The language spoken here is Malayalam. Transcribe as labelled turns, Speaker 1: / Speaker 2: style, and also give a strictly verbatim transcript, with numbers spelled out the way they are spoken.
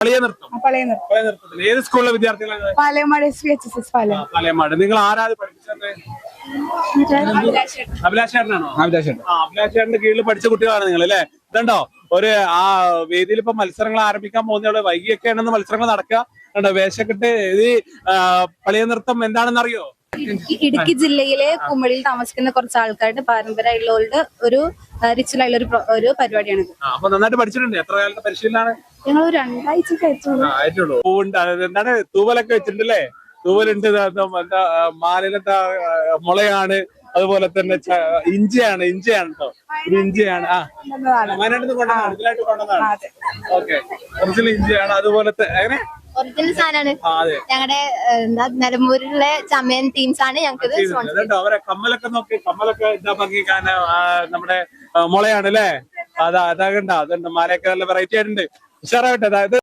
Speaker 1: പഴയ നൃത്തം പഴയ നൃത്തത്തിൽ ഏത് സ്കൂളിലെ വിദ്യാർത്ഥികളാണ്?
Speaker 2: Palayamad S V H S S Palayam.
Speaker 1: Palayamad. നിങ്ങൾ ആരാത് പഠിപ്പിച്ചത്? അഭിലാഷേട്ടനാണോ? അഭിലാഷേട്ടൻ. ആ അഭിലാഷേട്ടന്റെ കീഴിൽ പഠിച്ച കുട്ടികളാണ് നിങ്ങൾ അല്ലേ? ഇതുണ്ടോ ഒരു ആ വേദിയിൽ ഇപ്പൊ മത്സരങ്ങൾ ആരംഭിക്കാൻ പോകുന്ന വൈകിയൊക്കെയാണെന്ന് മത്സരങ്ങൾ നടക്കുക. കണ്ടോ വേഷക്കെട്ട്. ഇത് പഴയ നൃത്തം എന്താണെന്ന് അറിയോ?
Speaker 2: ഇടുക്കി ജില്ലയിലെ കുമളിയിൽ താമസിക്കുന്ന കുറച്ച് ആൾക്കാരുടെ പാരമ്പര്യമുള്ള ഒരു റിച്വൽ ആയുള്ള ഒരു പരിപാടിയാണ്.
Speaker 1: അപ്പൊ നന്നായിട്ട് പഠിച്ചിട്ടുണ്ട്. എത്ര കാലത്തെ പരിശീലനാണ്?
Speaker 2: ഞങ്ങൾ ഒരു രണ്ടാഴ്ച
Speaker 1: ആയിട്ടുള്ളൂ. പൂവുണ്ട്. എന്താണ് തൂവലൊക്കെ വെച്ചിട്ടുണ്ടല്ലേ? തൂവലുണ്ട്. എന്താ മാലിലത്തെ മുളയാണ്. അതുപോലെ തന്നെ ഇഞ്ചിയാണ്. ഇഞ്ചിയാണ് കേട്ടോ. ഇത് ഇഞ്ചിയാണ്. ആ വയനാട്ടിൽ കൊണ്ടുവന്നാണ്. ഇതിലായിട്ട് കൊണ്ടുവന്നാണ്. ഓക്കെ. ഒറിജിനൽ ഇഞ്ചിയാണ്. അതുപോലത്തെ എങ്ങനെ
Speaker 3: ഒറിജിനൽ സാധനമാണ്. ഞങ്ങളുടെ എന്താ നിലമ്പൂരിലെ ചമയൻ ടീംസ് ആണ് ഞങ്ങൾക്ക്.
Speaker 1: അവരെ കമ്മലൊക്കെ നോക്കി. കമ്മലൊക്കെ ഇതാ ഭംഗി കാണാൻ നമ്മുടെ മുളയാണ് അല്ലേ? അതാ അതാകണ്ട. അതുണ്ട്. മാലയൊക്കെ നല്ല വെറൈറ്റി ആയിട്ടുണ്ട്. ഉഷാറാവട്ടെ. അതായത്